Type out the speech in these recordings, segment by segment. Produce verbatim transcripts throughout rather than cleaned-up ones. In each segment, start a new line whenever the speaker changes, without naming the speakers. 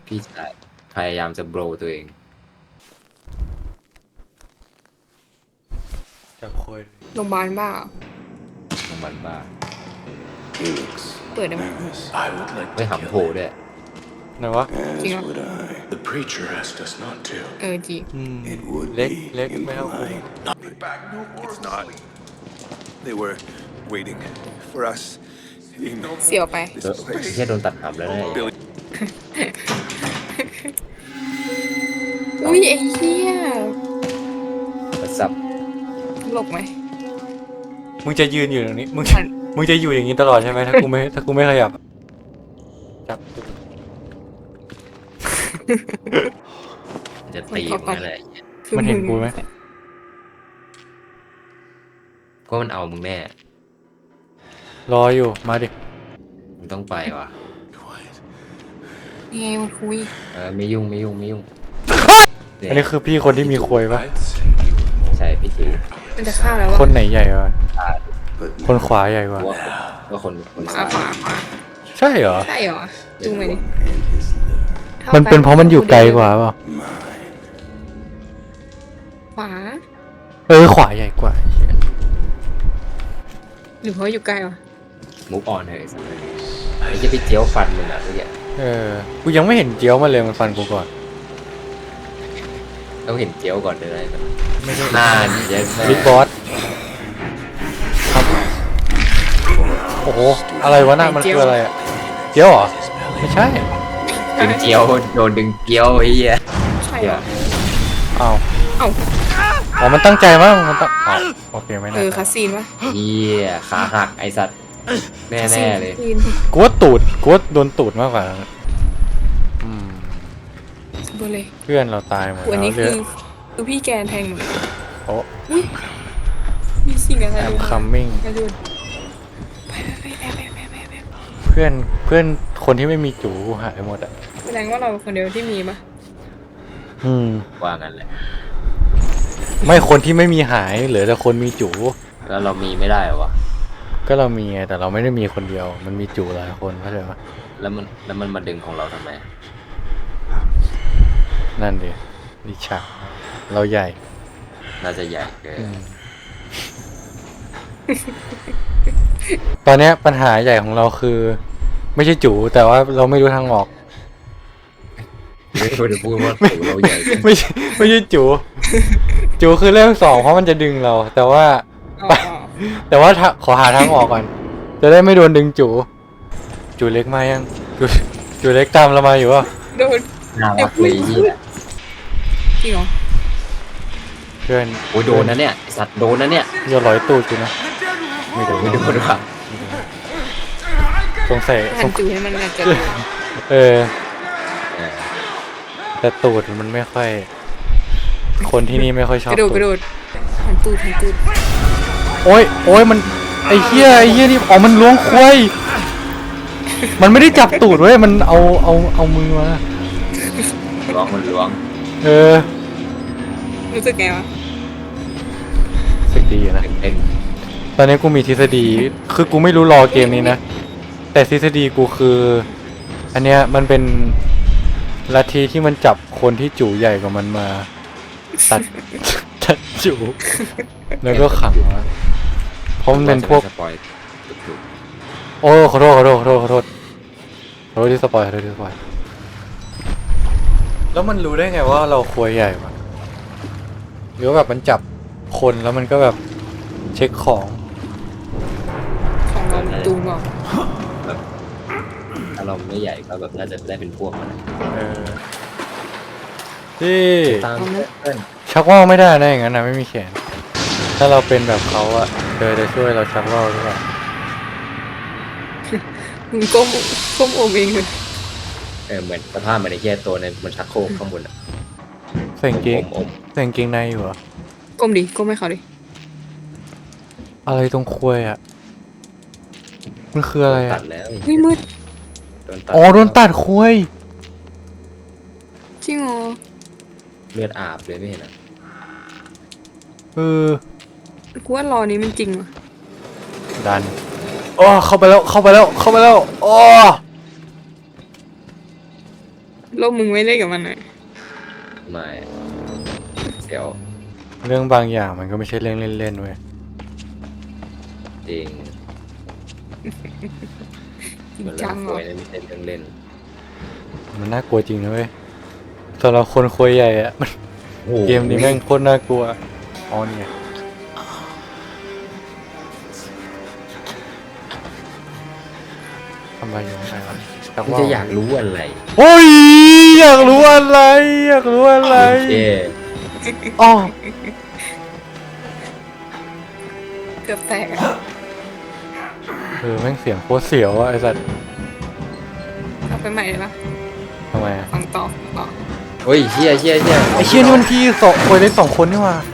พี่ชายพยายามจะโบรตัวเอง
จับโคย
โรงพยาบาลบ้า
ของมันบ้า
Felix,
เปิดได้ไหม
I would like
ไม่
to
หำโผ
kill
ด้วย
ไหนวะ
As
Chính
would I. The preacher asked us not to.
เออจริง
อืม
It would
เล็ก
be
เล็กไม่เท่ากู
impolite.
It's not. They were waiting for us in
เสียวไป
เออแค่โดนตัดหำแล้วนะ
Billy.
อุ้ยไอ้เหี้ย
มาสับ
หลบไหม
มึงจะยืนอยู่ตรงนี้มึง
มัน
มึงจะอยู่อย่างนี้ตลอดใช่ไหมถ้ากูไม่ถ้ากูไม่ขยับจับ
จะตีมันอะไร
คือ
มันเห็นกูไหม
ก็มันเอามึงแน่
รออยู่มาดิ
มึงต้องไปว่ะ
ยังไงมันคุย
เออไม่ยุ่งไม่ยุ่งไม่ยุ่ง
อันนี้คือพี่คนที่มีควยปะ
ใช่พี่ถือ
มันจะฆ่าแล้ว
ค
วะ
นไหนใหญ่กว่าคนขวาใหญ่กว่า
ว่าว่าคนคน
ขวาขวาขวา
ใช่เหรอ
ใช่เหรอจูงไปดิ
มันเป็นเพราะมันอยู่ไกลกว่าเปล่า
ขวา
เออขวาใหญ่กว่า
หรือเพราะอยู่ไกลวะ
มุกออนเลยสักเลยไอ้ที่พี่เจียวฟันมึงอ่ะเมื่อกี้
เออกูยังไม่เห็นเจียวมาเลยมันฟันกูก่อน
ต้องเห็นเจียวก่อนเลยนะ
ไม่ใช่
หน้าเยอะแม่
บิ๊กบอสครับโอ้โหอะไรวะน่ะมันคืออะไรอะเจียวเหรอไม่ใช่
ดึงเจียวโดนดึงเจียวไอ้เหี้ย
ใช่เหรอ
อ้าว
เอ้า
อ๋อมันตั้งใจมั้งมันตั้งอ้าวโอเคไม่
เอ
น่า
อคาซีนวะ
เหี้ยขาหักไอสัตว์แน่แน่ๆเลย
คาซีน
กูว่าตูดกูว่าโดนตูดมากกว่าอืม
เบอร์เลย
เพื่อนเราตายหมด
วัน
แล้ว
นี้
เหลื
คือ อคือพี่แกนแทงหนู
โอ้
มีสิ่งอะไร
แอม
ดู
คัมมิ่ง
กระโดดไปไปไปไปไปไปไป
เพื่อนเพื่อนคนที่ไม่มีจูหายหมดอ่ะ
แสดงว่าเราคนเดียวที่มีปะ
อืม
ว่างั้นแหละ
ไม่คนที่ไม่มีหายเหลือแต่คนมีจู
แล้วเรามีไม่ได้เหรอวะ
ก็เรามีไงแต่เราไม่ได้มีคนเดียว มันมีจูหลายคนเข้าใจปะ
แล้วมันแล้วมันมาดึงของเราทำไม
นั่นดิดิฉาเราใหญ่
น่าจะใหญ่เกิน
อืมตอนเนี้ยปัญหาใหญ่ของเราคือ ไม่ใช่จูแต่ว่าเราไม่รู้ทางออก
ไม่ควรจะพูดว่าถูเราใหญ่เกิน
ไม่ใช่ไม่ใช่จูจูคือเรื่องสองเพราะมันจะดึงเรา แต่ว่า
อ๋อ
แต่ว่าถ้าขอหาทางออกก่อน จะได้ไม่โดนดึงจูจูเล็กมายังจูจูเล็กตามเรามาอยู่ป่ะ
โดน
น่ารักเลยไอ้เหี้ย
จริงเหรอ
เพื่อน
โอ้ยโดนนะเนี่ยไอ้สัตว์โดนนะเนี่ย
อย่าร้อยตูดกูนะไม่โดน
ไม่โดนว่ะ
สงสัยส
หัน
ง
จูให้มันอาจจะ
เออ
เออ
แต่ตูดมันไม่ค่อย คนที่นี่ไม่ค่อยชอก บ
ระโดด
ตู
กระโดดหันตูดหันตูด
โอ้ยโอ้ยมันไอ้เหี้ยไอ้เหี้ยนี่อ๋อมันล้วงควายมันไม่ได้จับตูดเว้ยมันเอาเอาเอามือมา
ล้วงมันล้วง
เออ
รู้สึกไงวะ
สึกดีนะ
เต้น
ตอนนี้กูมีทฤษฎีคือกูไม่รู้รอเกมนี้นะแต่ทฤษฎีกูคือ อันเนี้ยมันเป็นลัทธิที่มันจับคนที่จูใหญ่กว่ามันมา ตัด ตัดจูแล้วก็ขังไว้เพราะมันเป็นพวก
สปอยถูก
โอ้ขอโทษขอโทษขอโทษขอโทษขอโทษที่สปอยขอโทษที่สปอยแล้วมันรู้ได้ไงว่าเราควยใหญ่วะหรือว่าแบบมันจับคนแล้วมันก็แบบเช็คของ
ของเราตูนบอก
ๆแบบถ้าเราไม่ใหญ่ก็แบบน่าจะได้เป็นพวกมัน
เออที่
ตามเพื่อน
ชักว่าวไม่ได้นะอย่างนั้นนะไม่มีแขน ถ้าเราเป็นแบบเขาอะเธอจะช่วยเราชักว่าวหรือเปล่า
มึงก้มก้มโอมเองเลย
เออเหมือนสภาพมันในแค่ตัวในมันชักโครกข้างบนอะ
ใส่กางเกง
อม
ใส่กางเกงในอยู่เหรอ
ก้มดิก้มให้เขาดิ
อะไรตรงควยอะมันคืออะไร
ตั
อะ
ดแล้ว
เฮ้ยมืด
โดนตัด
อ๋อโดนตัดควย
จริงเหรอ
เลือดอาบเลยไม่เห็นอ่ะ
เออ
กูว่ารอนี้มันจริงวะ
ดันอ๋อเข้าไปแล้วเข้าไปแล้วเข้าไปแล้วอ๋อ
โลกมึงไม่เล่นกับมันหน่อย
ไม่เดี๋ยว
เรื่องบางอย่างมันก็ไม่ใช่เรื่องเล่นๆเว้ย
จริง
จริง
มัน
จั
เรื่อง
งเหร
ป่
อ
วยนะไม่ใช่เรื่องเล่น
มันน่ากลัวจริงนะเว้ยสำหรับคนคุยใหญ่อะมัน
โอ้โห
เกมนี้แม่งโคตรน่ากลัวอ๋อนี่ไงทำไมอยู่ข้างในวะแต่
มึง
ว่า
จะอยากรู้อะไร
โอ้ยอยากรู้อะไร อยากรู้อะไร
โอเค
อ๋อ
เกือบแตกอะ
เออแม่งเสียงโคตรเสียวอะไอสัตว์
เอาไปใหม่เลยปะ
ทำไมอะ
ฟังต่อต่อ
เฮ้ยเชี่ยเชี่ยเชี่ย
ไอเชี่ยนี่มันพี่สองคนเล็กสองคนนี่หว่า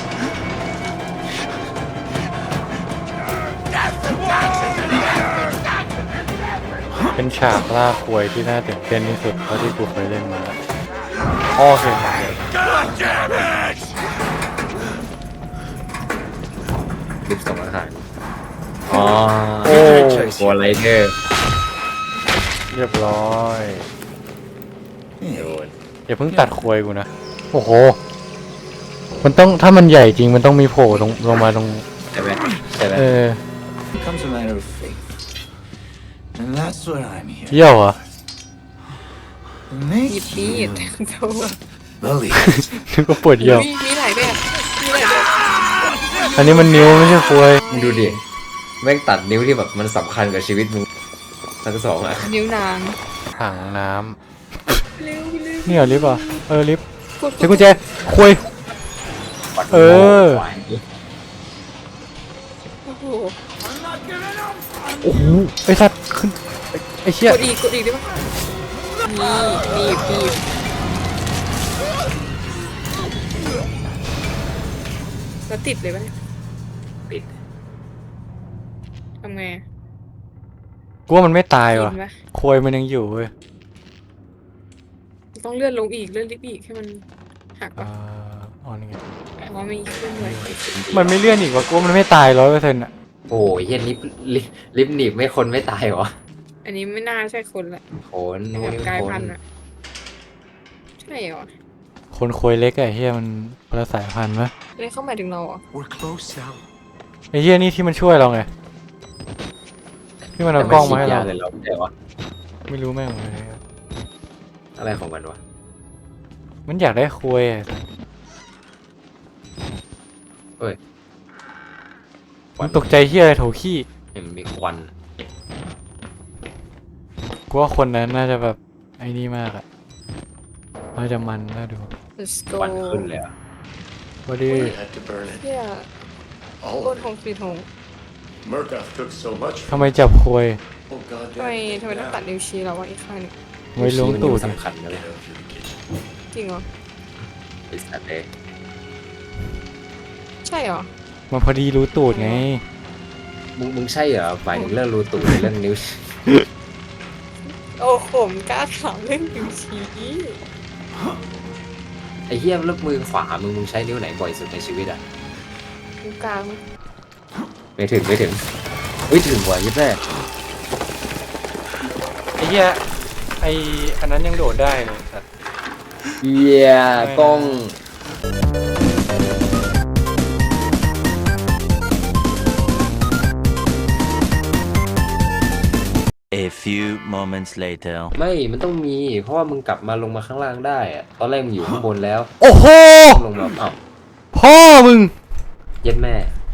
เป็นฉากล่าควยที่น่าตื่นเต้นที่สุดเท่าที่กูเคยเล่นมาโอเค
คลิปส่งอาหารอ๋อ
โอ้
โกไรเดอร์
เรียบร้อย
โดน
อย่าเพิ่งตัดควยกูนะ โอ้โห มันต้องถ้ามันใหญ่จริงมันต้องมีโผล่ลงลงมาตรง
ใช่ไหมใช่ไหม
เออ
becomes a matter of faith. And that's what I'm here
เยี่ยวเหรอ
to
หยิบ
make
มีด
you
โถ่
believe.
นึกว่าปวดเยี่ยว
มีมีหลายแบบมีหลายแบบ
อันนี้มันนิ้วไม่ใช่ควย
มึงดูดิแม่งตัดนิ้วที่แบบมันสำคัญกับชีวิตมึงทั้งสองอ่ะ
นิ้วนาง
ถังน้
เร็วเร็ว
ำนี่เหรอลิฟต์เหรอเออลิฟต์
กด
ใช้กุญแจควย เออ
โอ้โห
โอ้โหไอสัตว์ขึ้นไอ้ไอเชี่ย
กดอีกกดอีกได้ปะนี่นี่นี่แล้วติดเลยปะเนี่ย
ปิด
ทำไงอะ
กูว่ามันไม่ตายว่ะ
กินปะ
ควยมันยังอยู่เว้ย
ต้องเลื่อนลงอีกเลื่อนลิฟต์อีกให้มันหัก
อ่า
ปะ
อ๋อนี่ไง
อ๋อมีเครื่องเลย
มันไม่เลื่อนอีกว่ะกูว่ามันไม่ตายร้อยเปอร์เซ็นต์อ่ะ
โอ้ยเฮียลิฟต์ลิฟต์ลิฟต์หนีบไม่คนไม่ตายวะ
อันนี้ไม่น่าใช่คนละ
โขน
เป็น
โอ้
แบ
ย
บกลาย
โข
พั
น
นธุ์อะใช่เหรอ
คนควยเล็กอะไอ้เฮียมันคนละสายพันธุ์ปะ
อันนี้เข้าหมายถึงเราเหรอ
We're close now.
ไอ้เฮียนี่ที่มันช่วยเราไงที่มันเอากล้องมาให้เรา
แต่นฉีดยเลยเราแต่ว่า
ไม่รู้แม่งเลย
อะไรของมันวะ
มันอยากได้ควยอะ
เอ้ย
มันตกใจเฮียอะไรโถขี้
เห็นมีควัน
กูว่าคนนั้นน่าจะแบบไอ้นี่มากอะน่าจะมันน่าดู
let's
ค
go
วันขึ้นเลยอ่ะ
ว่าดี
We had to burn it.
เฮีย
All
โคต
of
รหง
it.
สีหง
Murkoff took so much
ทำไมจับควย
Oh,
ทำไม
goddamn.
ทำไมต้องตัดนิ้วชี้เราวะอีกข้างหนึง
ไว้ล้วงตูด
มันสำคัญนะเลย
จริงเหรอ
ไอ้สัตว์เลย
ใช่เหรอ
มันพอดีรู้ตูดไง
มึงมึงใช่เหรอหมายถึงเรื่องรูตูดหรือเรื่องนิ้ว
โอ้โหมกล้าถามเรื่องนิ้วชี้
ไอ้เหี้ยเลือกมือขวามึงมึงใช้นิ้วไหนบ่อยสุดในชีวิตอ่ะ
นิ้วกลาง
ไม่ถึงไม่ถึงไม่ถึงว่ะยิ่งแม่
ไอ้เหี้ยไอ้อันนั้นยังโดดได้เลยสัตว์
เหี้ยกล้อง
A few moments later.
ไม่มันต้องมีเพราะว่ามึงกลับมาลงมาข้างล่างได้อะตอนแรกมึงอยู่ข้างบนแล้ว
โอ้โห
ลงมาอ้าว
พ่อมึง
เย็ดแม่